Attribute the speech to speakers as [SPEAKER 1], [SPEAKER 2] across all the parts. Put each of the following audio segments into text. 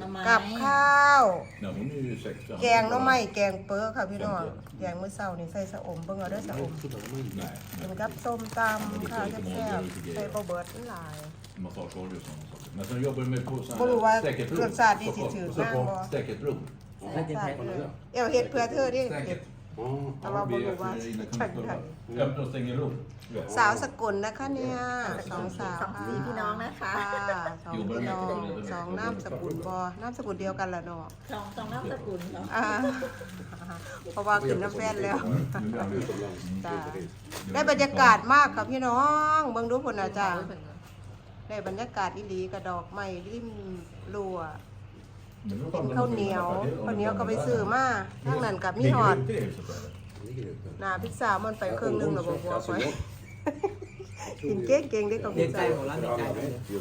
[SPEAKER 1] กับข้าว
[SPEAKER 2] Nej, hon är ju 60.
[SPEAKER 1] แกงหน่อไม้แกงเปิ้ลค่ะพี่น้องแกงมื้อเช้านี่ใส่สะอมเบิ่งเอาเด้อสะอม
[SPEAKER 2] Nej,
[SPEAKER 1] กินกับส้มตำข้าวแซ่บๆใส่บ่เบิดหลาย
[SPEAKER 2] massageolja och sådana saker. Men sen jobbar du med på
[SPEAKER 1] บ่รู้ว่า
[SPEAKER 2] säkert
[SPEAKER 1] รสชาติดีสิถือมากบ่
[SPEAKER 2] säkert rum.
[SPEAKER 1] เอวเฮ็ดเพื่อเธอดิ
[SPEAKER 2] Säkert.
[SPEAKER 1] แต่ว่าบ่รู้ว่าฉันได้
[SPEAKER 2] Öppna och stänger rum.
[SPEAKER 1] สาวสกุลนะคะเนี่ยสองสาว
[SPEAKER 3] สี่พี่น้องนะคะ
[SPEAKER 1] สองพี่น้องสองนามสกุลบ่นามสกุลเดียวกันล่ะเนาะ
[SPEAKER 3] สองนามสกุลเนาะ
[SPEAKER 1] เพราะว่าขึ้นน้ำแฟนแล้วจ้าได้บรรยากาศมากค่ะพี่น้องเบิ่งดูพุ่นน่ะจ้าได้บรรยากาศอีหลีกระดอกไม้ริมรั้วข้าวเหนียวก็ไปซื้อมาทางนั้นกับมีหอดหน้าพิซซ่ามันไปครึ่งนึงแล้วบ่พอไปกินเก่งๆได้กับ
[SPEAKER 4] เด็
[SPEAKER 1] พิ
[SPEAKER 4] ก
[SPEAKER 1] ซ
[SPEAKER 4] ใจ
[SPEAKER 1] ซ่า
[SPEAKER 4] ของร้านเด็กใจเลย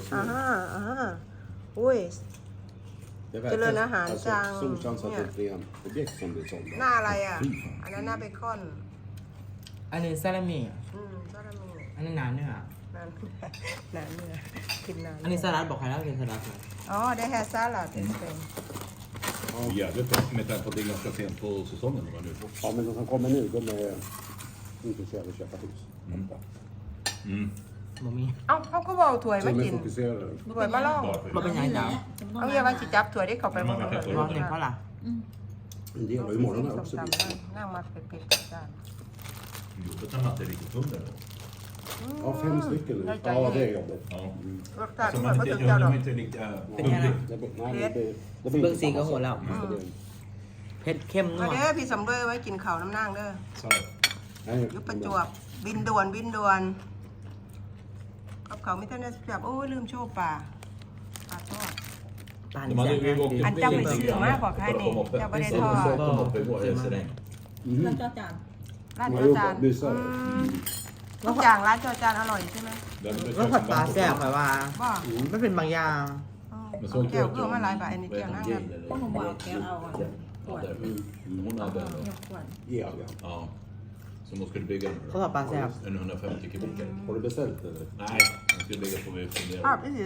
[SPEAKER 1] อุ้ย
[SPEAKER 5] Det
[SPEAKER 1] Till
[SPEAKER 5] verkar
[SPEAKER 1] en hand, Chang.
[SPEAKER 5] Solchans att
[SPEAKER 1] Ja.
[SPEAKER 5] det är ett rent objekt som blir sålda.
[SPEAKER 1] หน้าอะไรอ่ะ อันนั้นหน้าเบคอน
[SPEAKER 4] อันนี้ซาลามิ
[SPEAKER 1] ก็จะมี
[SPEAKER 4] อันนี้น้ำเนื้อ
[SPEAKER 1] นั่นนั่นเนี่ยกินนั่น
[SPEAKER 4] อันนี้สลัดบอกใครแล้วเป็นสลัดครับ
[SPEAKER 1] อ๋อได้แฮร์ซาลัดเป็น
[SPEAKER 2] Jävligt bra med tanke på att det är ganska sent på säsongen. Vad nu får.
[SPEAKER 5] Ja, men de som kommer nu, de är intresserade av att köpa hus.
[SPEAKER 2] Mm.
[SPEAKER 4] บ่มี
[SPEAKER 1] เอ้าเขาก็บอกถ้วย
[SPEAKER 5] Så
[SPEAKER 1] มา
[SPEAKER 5] de
[SPEAKER 1] กิ
[SPEAKER 5] är
[SPEAKER 1] น
[SPEAKER 5] fokuserade.
[SPEAKER 1] ถ้วยมาล่อง
[SPEAKER 4] บ่เป็นยังไงจ้า
[SPEAKER 1] เอาเยาว่าจิจับถ้วยได้เข้าไปบ้าง
[SPEAKER 4] ร้อนเนี่ยเพราะอะไร
[SPEAKER 5] En del har imorgon här också.
[SPEAKER 1] นั่งมาเป็ดๆจ้า
[SPEAKER 2] Jobbigt när man inte är riktigt hungrig då.
[SPEAKER 5] Ja, 5 stycken nu. Ja, det är jobbigt.
[SPEAKER 2] Ja.
[SPEAKER 1] รสชาติ
[SPEAKER 2] Alltså
[SPEAKER 1] ถ้วย
[SPEAKER 2] man
[SPEAKER 1] มา
[SPEAKER 2] inte,
[SPEAKER 1] ถึง
[SPEAKER 2] jag
[SPEAKER 1] เจ้าดอก
[SPEAKER 2] är inte riktigt
[SPEAKER 4] เป็นยังไง
[SPEAKER 2] hungrig.
[SPEAKER 5] Det blir, nej, det blir
[SPEAKER 4] เบื้อง
[SPEAKER 5] inte
[SPEAKER 4] สีก็
[SPEAKER 5] samma
[SPEAKER 4] โหด
[SPEAKER 5] sak.
[SPEAKER 4] แล้ว
[SPEAKER 5] Så det-
[SPEAKER 4] เผ็ดเข้มนั
[SPEAKER 1] มาว เด้อพี่สำเร็จไว้กินข้าวน้ำนางเด้อ
[SPEAKER 2] Så.
[SPEAKER 1] ยุบประจวบบินด่วนกับเขาไม่ทันได้จับโอ้ยลืมโชว์ป่าทอด
[SPEAKER 4] ปลา
[SPEAKER 2] De
[SPEAKER 4] นี่
[SPEAKER 2] hade
[SPEAKER 4] แซ่บ
[SPEAKER 2] ju
[SPEAKER 4] นะ
[SPEAKER 2] åkt
[SPEAKER 1] อันเจ้าไปซื้อมากกว่าใครนี่เจ้าไม่ได้ทอด
[SPEAKER 2] de uppe i vår restaurang.
[SPEAKER 3] แล้ว
[SPEAKER 5] Mhm.
[SPEAKER 3] ก็จาน
[SPEAKER 1] ร้าน
[SPEAKER 5] De
[SPEAKER 1] จ
[SPEAKER 5] har
[SPEAKER 1] อจาน
[SPEAKER 5] jobbat, busar.
[SPEAKER 1] ทุกอย่างร้านจอจานอร่อยใช่ไหม
[SPEAKER 2] Där hade vi
[SPEAKER 4] แล้วผัด
[SPEAKER 2] köpt
[SPEAKER 4] ปลา
[SPEAKER 2] en
[SPEAKER 4] แซ่บ
[SPEAKER 2] band
[SPEAKER 4] ค่ะว่า
[SPEAKER 1] บ้า
[SPEAKER 4] ไม่เป็นบางอย่าง
[SPEAKER 2] Men så
[SPEAKER 1] แก้ว
[SPEAKER 2] åkte
[SPEAKER 1] เพื่อมาหลายบาทอันนี้
[SPEAKER 2] vad
[SPEAKER 1] แก้ว
[SPEAKER 2] heter
[SPEAKER 1] นั่ง
[SPEAKER 2] hon,
[SPEAKER 1] กัน
[SPEAKER 2] Jane eller?
[SPEAKER 3] พวกผมบอกแกเอาอ่ะ
[SPEAKER 2] Ja, där. Hon hade en.
[SPEAKER 3] ยกขวด
[SPEAKER 5] Ja, ja.
[SPEAKER 2] Ja. Som hon skulle bygga.
[SPEAKER 4] เขาผัดปลาแซ่บ
[SPEAKER 2] En 150 kubikare.
[SPEAKER 5] Har du beställt eller?
[SPEAKER 2] Nej, hon skulle bygga på vi
[SPEAKER 1] ภาพ
[SPEAKER 2] funderar.
[SPEAKER 1] ที่สิ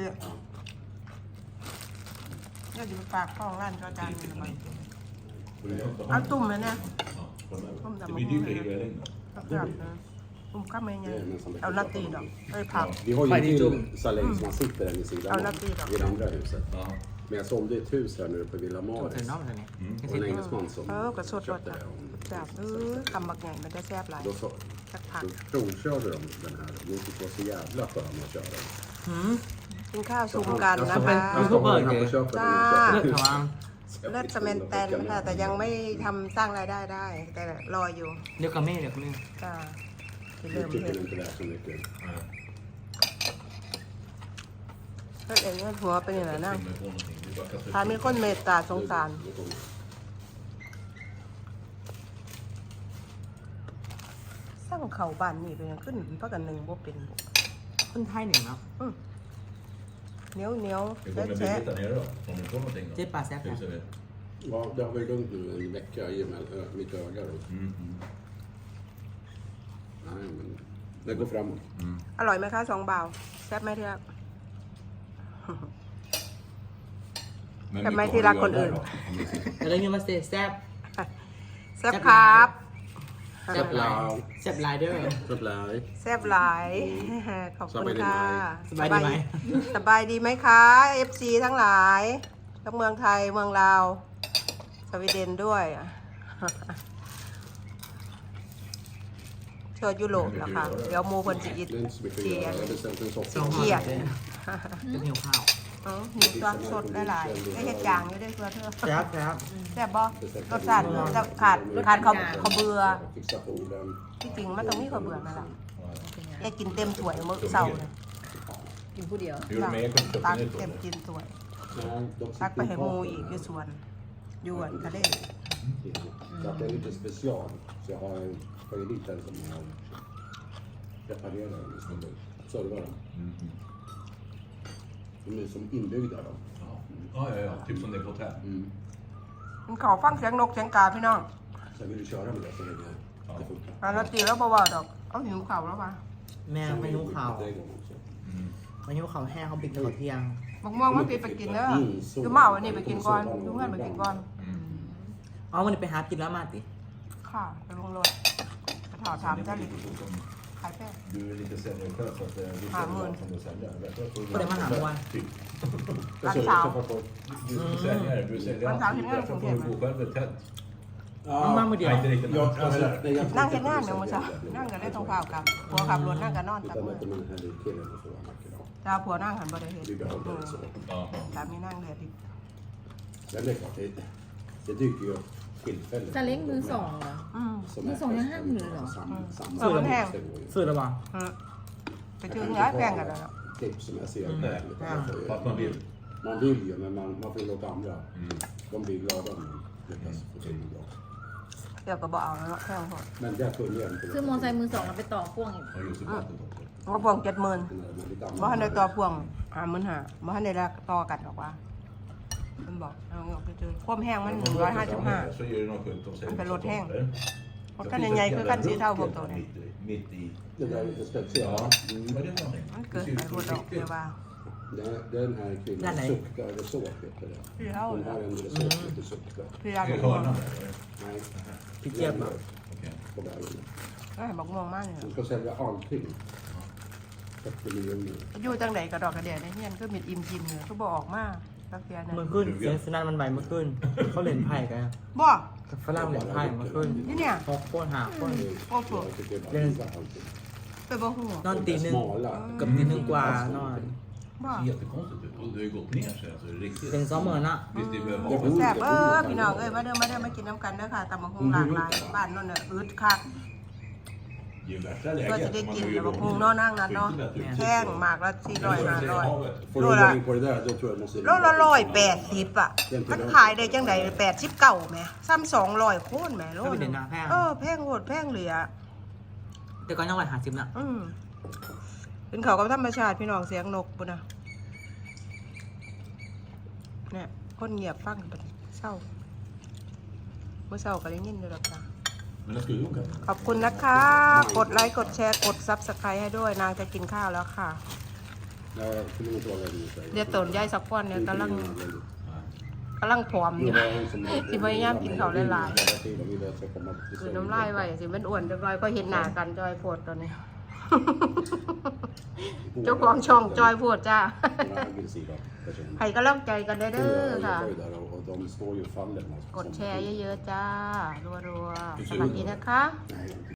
[SPEAKER 1] เนี่ยอยู่ปากคลองร้านจอจานนี่มันเอาตุ่มเลยเนี่ย
[SPEAKER 2] Det blir dyrt att hyra in.
[SPEAKER 1] ครับตุ่มข้ามเองไงเอาลาตีดอกเอ้ยผัก
[SPEAKER 5] Vi har ju
[SPEAKER 4] Färdig
[SPEAKER 5] en
[SPEAKER 4] dum.
[SPEAKER 5] till saläng som man sitter där vid sidan
[SPEAKER 1] Ja,
[SPEAKER 5] av,
[SPEAKER 1] lagt i då.
[SPEAKER 5] i det andra huset.
[SPEAKER 2] Ja.
[SPEAKER 5] Men jag sålde ett hus här nu uppe vid Villa
[SPEAKER 4] ตัวเส้น
[SPEAKER 5] Maris.
[SPEAKER 4] นอกเลยเนี่ย
[SPEAKER 5] Och en engelsman som
[SPEAKER 1] กระสดรส
[SPEAKER 5] köpte
[SPEAKER 1] นะ
[SPEAKER 5] det. Och
[SPEAKER 1] จับคำบักใหญ่มันจะแซ่บหลาย
[SPEAKER 5] Då, så,
[SPEAKER 1] สักผัก
[SPEAKER 5] då provkörde de den här. De tyckte det var så jävla skön att köra den.
[SPEAKER 1] กินข้าวซุ่มกันนะคะ
[SPEAKER 5] Jag ska ha den här på köpet.
[SPEAKER 1] Ja.
[SPEAKER 4] เลือกเขาว่า
[SPEAKER 1] เลือดสเมนแตนค่ะแต่ยังไม่ทำสร้างรายได้ได้ แต่รออยู่
[SPEAKER 4] เดี๋ยวกับแม่เดี๋ยวกับแม่
[SPEAKER 1] จ้าที่
[SPEAKER 5] Nu
[SPEAKER 1] เริ่ม
[SPEAKER 5] tycker
[SPEAKER 1] เห็น
[SPEAKER 5] de inte det är så mycket.
[SPEAKER 2] Nej.
[SPEAKER 1] เลือดเองเลือดหัวเป็นอย่างไรนั่ง
[SPEAKER 2] Finna på någonting. Det är bara att kasta
[SPEAKER 1] ถ้ามีคนเมตตาสงสาร
[SPEAKER 5] Nu kommer-
[SPEAKER 1] สร้างเขาบ้านนี่เป็นยังขึ้นเพราะกันหนึ่งบ่เป็น
[SPEAKER 4] คนไทยหนึ่งเนาะ
[SPEAKER 1] เหนียวเหนียว
[SPEAKER 2] Det
[SPEAKER 1] แฉะ
[SPEAKER 2] kommer bli
[SPEAKER 1] แฉะ
[SPEAKER 2] lite nere då. Om ni får någonting
[SPEAKER 4] เจ๊
[SPEAKER 2] då.
[SPEAKER 4] ปลาแซ่บ
[SPEAKER 2] Fixar vi.
[SPEAKER 5] Ja, det har varit lugnt nu en vecka i och med mitt öga. Då.
[SPEAKER 2] Mm.
[SPEAKER 5] Nej, men det går framåt.
[SPEAKER 1] อร่อยไหมคะสองบ่าวแซ่บไหมที่รัก
[SPEAKER 2] Men
[SPEAKER 1] Kan
[SPEAKER 2] vi
[SPEAKER 1] man
[SPEAKER 2] får
[SPEAKER 1] till la
[SPEAKER 2] göra
[SPEAKER 1] con
[SPEAKER 2] det
[SPEAKER 1] ur.
[SPEAKER 2] då, om vi sitter.
[SPEAKER 4] แล้วยังมาเซแซ่บ
[SPEAKER 1] แซ่บครับ
[SPEAKER 4] แซ่บหลายแซ่บหลายเด้อ
[SPEAKER 5] Så blir
[SPEAKER 1] แซ่บหลาย ขอบคุณค่ะ
[SPEAKER 4] สบายดีไหม
[SPEAKER 1] สบายดีไหมคะ FC ทั้งหลายทั้งเมืองไทยเมืองลาว สวีเดนด้วยเชิญยุโรปแล้วค่ะ เดี๋ยวโมคนจะอิด
[SPEAKER 5] det är inte så mycket att
[SPEAKER 1] เสีย
[SPEAKER 5] göra. Jag har beställt en
[SPEAKER 4] สอง
[SPEAKER 5] soppa.
[SPEAKER 4] ห่อเลยจะหิวข้าว
[SPEAKER 1] หิวตัวสดได้หลายได้เห็ดจางอยู่ได้ตัวเธอ
[SPEAKER 4] แซ่บแซ่บ
[SPEAKER 1] แซ่บบ่รสชาติจะขาดเขาเบื่อ
[SPEAKER 5] Fixa på orden.
[SPEAKER 1] ที่จริงมันต้องมีเขาเบื่อนั่นแหละแกกินเต็มถ้วยมื้อเช้าเลย
[SPEAKER 3] กินผู้เดียว
[SPEAKER 2] Hur är det med er? Kommer
[SPEAKER 1] ตัก
[SPEAKER 2] köpa
[SPEAKER 1] เต็ม
[SPEAKER 2] nytt
[SPEAKER 1] กินถ้วย
[SPEAKER 5] Nej, de
[SPEAKER 1] ตัก
[SPEAKER 5] sitter
[SPEAKER 1] ไปให้หมู
[SPEAKER 5] kvar.
[SPEAKER 1] อีกอยู่สวนยวนทะเล
[SPEAKER 5] Så att det är lite special. Så jag har ju lite som jag reparerar en snubbe. Servar dem. De är som inbyggda då.
[SPEAKER 2] Ja, typ som det är på hotell.
[SPEAKER 1] มันเขาฟังเสียงนกเสียงกาพี่น้อง
[SPEAKER 5] Sen vill du köra med det så länge det funkar.
[SPEAKER 1] แล้วตีแล้วบ่ว่าดอกเอาหิวเข่าแล้วป่ะ
[SPEAKER 4] แม่ไม่หิวข้าว
[SPEAKER 5] Det är igång också.
[SPEAKER 4] ไม่หิวข้าวแห้งเขาปิดตลอดเที่ยง
[SPEAKER 1] บบักม่วงมันไปกินเด้อคือเมาอันนี้ไปกินก่อนทุกเพื่อนไปกินก่อน
[SPEAKER 4] อ๋อวันนี้ไปหากินแล้วมาติ
[SPEAKER 1] ค่ะไปลงรถไปถอดถามเจ้าหลิขายแป้ง
[SPEAKER 2] Du är lite sämre själv så att du
[SPEAKER 1] Ja,
[SPEAKER 2] får
[SPEAKER 1] men-
[SPEAKER 2] som du säljer.
[SPEAKER 4] På det man har mål.
[SPEAKER 2] Typ.
[SPEAKER 1] Vad
[SPEAKER 5] Så,
[SPEAKER 1] sa?
[SPEAKER 5] så får folk-
[SPEAKER 2] Du säljer, du säljer
[SPEAKER 1] Vad sa
[SPEAKER 2] alltid.
[SPEAKER 1] du?
[SPEAKER 2] Därför får du bo själv i ett tält.
[SPEAKER 4] Man med det.
[SPEAKER 2] Nej, inte riktigt.
[SPEAKER 5] Ja,
[SPEAKER 2] Men
[SPEAKER 5] alltså,
[SPEAKER 2] sådär.
[SPEAKER 5] nej, jag
[SPEAKER 1] นั่ง
[SPEAKER 5] tror
[SPEAKER 1] เห็น
[SPEAKER 5] inte
[SPEAKER 1] งาน
[SPEAKER 5] att
[SPEAKER 1] เดี๋ยว
[SPEAKER 5] det
[SPEAKER 1] มา
[SPEAKER 5] är
[SPEAKER 1] ซะ
[SPEAKER 5] så jävla
[SPEAKER 1] นั่งกันได้
[SPEAKER 5] mycket.
[SPEAKER 1] ตรงเปล่ากับผัวขับรถนั่งกันนอนตับ
[SPEAKER 5] Utan
[SPEAKER 1] มือ
[SPEAKER 5] att man hade killen och så var mycket då.
[SPEAKER 1] จ้าผัวนั่งหันบ่ได้เห็น
[SPEAKER 5] Vi behåller det så.
[SPEAKER 2] Ja.
[SPEAKER 1] สามีนั่งเลยดิ
[SPEAKER 5] Men det är klart, det dyker ju upp tillfällen.
[SPEAKER 3] ซาเล้งมือสองเหรอ
[SPEAKER 1] อืม
[SPEAKER 5] Som
[SPEAKER 3] Men
[SPEAKER 5] är
[SPEAKER 3] som jag
[SPEAKER 5] fest-
[SPEAKER 3] hade nu då?
[SPEAKER 5] samma-
[SPEAKER 1] Ja, men här.
[SPEAKER 5] det går ju.
[SPEAKER 4] ซื้อแล้วบ่
[SPEAKER 1] อืมไปชื่อย้ายแป้งกันแล้วเนาะ
[SPEAKER 5] Tips som jag ser.
[SPEAKER 2] Nej, fast man vill.
[SPEAKER 5] Man vill ju, men man får låta andra.
[SPEAKER 2] Mm.
[SPEAKER 5] De blir glada om de lyckas få till det bra.
[SPEAKER 1] เดี๋ยวก็บอกเอาแล้วเนาะแป้งพอ
[SPEAKER 5] Men där kunde jag inte.
[SPEAKER 3] ซื้อมอไซค์มือสองแล้วไปต่อพ่วงอีก
[SPEAKER 2] Och just i vattnet också.
[SPEAKER 1] ก็พวง70,000
[SPEAKER 5] Men lite
[SPEAKER 1] บ่ทัน
[SPEAKER 5] annat.
[SPEAKER 1] ได้ต่อพวง50,000บ่ทันได้ละต่อกันหรอกว่ามันบอกเอาเงาไปเจอความแห้งมัน
[SPEAKER 2] Så är det
[SPEAKER 1] 155
[SPEAKER 2] något sjukt de säger.
[SPEAKER 1] Men låt häng.
[SPEAKER 2] Där.
[SPEAKER 1] รถคันใหญ่ๆคือคันสีเทาพวกตัวนี้
[SPEAKER 2] Mitt i.
[SPEAKER 5] Det där är lite
[SPEAKER 2] Ja,
[SPEAKER 5] speciellt.
[SPEAKER 2] vad är det för någonting?
[SPEAKER 1] มัน
[SPEAKER 2] Det
[SPEAKER 1] เกิด
[SPEAKER 2] ser
[SPEAKER 1] ไป
[SPEAKER 2] ut
[SPEAKER 1] บน
[SPEAKER 2] som
[SPEAKER 1] ดอกเดียว
[SPEAKER 2] riktigt.
[SPEAKER 1] ว่า
[SPEAKER 5] Den här
[SPEAKER 4] Den
[SPEAKER 5] kvinnan
[SPEAKER 4] är-
[SPEAKER 5] suckar resåt, heter det.
[SPEAKER 1] พี่เท่า
[SPEAKER 5] Hon
[SPEAKER 1] แล้ว
[SPEAKER 5] har en resåt som heter suckar.
[SPEAKER 1] พี่
[SPEAKER 2] Är
[SPEAKER 1] ราบ
[SPEAKER 2] det
[SPEAKER 1] อกม่วง
[SPEAKER 2] hörnan där, eller?
[SPEAKER 5] Nej,
[SPEAKER 4] Fick hjälp då?
[SPEAKER 2] Okej.
[SPEAKER 5] på bergen.
[SPEAKER 1] ก็ให้บอกม่วงมากเลย
[SPEAKER 5] Hon ska sälja allting. 40 miljoner.
[SPEAKER 1] อยู่จังไหนกระดอกกระเดียดในเฮียนก็มีอิ่มกินอยู่ก็บอกออกมาตักเตียนะ
[SPEAKER 4] เมื่อขึ้นเสียงสนั่นมันใบเมื่อขึ้นเขาเล่นไพ่กัน
[SPEAKER 1] บ่
[SPEAKER 4] กับฝรั่งเล่นไพ่เมื่อขึ้น
[SPEAKER 1] นี่เนี่ย
[SPEAKER 4] หกคนหาคน
[SPEAKER 1] โอ้โห
[SPEAKER 5] Jag tycker bara visa allting.
[SPEAKER 1] ไปบ่ฮู้
[SPEAKER 4] นอนตีหนึ่ง
[SPEAKER 5] Smala.
[SPEAKER 4] กับตีหนึ่งกว่านอน
[SPEAKER 1] บ่
[SPEAKER 2] Jättekonstigt ut. Och det har ju gått ner sig alltså riktigt.
[SPEAKER 4] เป็น20,000
[SPEAKER 2] Visst, det behöver
[SPEAKER 5] Jag
[SPEAKER 2] ha.
[SPEAKER 5] bor-
[SPEAKER 1] แซ่บพี่น้องเอ้ยมาเด้อมากินน้ำกันเด้อค่ะตำบักหุ่งหลากหลายบ้านโน่นน่ะอึดคัก
[SPEAKER 2] Det är ju värsta
[SPEAKER 1] ก็
[SPEAKER 2] läget.
[SPEAKER 1] จะได้
[SPEAKER 2] Man
[SPEAKER 1] กิน
[SPEAKER 2] har
[SPEAKER 1] ตำ
[SPEAKER 2] ju
[SPEAKER 1] บักหุ่งเนาะนั่งนั่นเนาะ
[SPEAKER 2] skyddat ut.
[SPEAKER 1] แข้งหมากละ400 500
[SPEAKER 5] Får du gå in på det där, då tror jag jag måste...
[SPEAKER 1] โลละ180อ่ะมันขายได้จังได89แหมซ้ำ200โคนแหมโล
[SPEAKER 4] ก็เป็นเดือนหน้าแพง
[SPEAKER 1] แพงโหดแพงเหลือ
[SPEAKER 4] แต่ก็ยัง150น่ะ
[SPEAKER 1] เป็นเขากับธรรมชาติพี่น้องเสียงนกปุ่นนะเนี่ยคนเงียบฟังไปเศร้าเมื่อเศร้าก็ได้ยินอยู่หรอกจ้ะ
[SPEAKER 2] Men jag skulle åka.
[SPEAKER 1] ขอบคุณนะคะ กดไลค์กดแชร์กดซับสไครต์ให้ด้วยนางจะกินข้าวแล้วค่ะ
[SPEAKER 5] Nej, jag skulle inte vara rädd nu.
[SPEAKER 1] เดี๋ยวตนยายสักก้อนเนี่ยกำลังผอมอยู่ สิพยายามกินข้าวหลายๆคือน้ำลายไว้สิเป็นอ้วนเรียบร้อยก็เห็นหน้ากันจอยโพดตอนนี้ เจ้าของช่องจอยโพดจ้า ให้กำลังใจกันได้เด้อค่ะ กดแชร์เยอะๆจ้ารัวๆสวัสดีนะคะ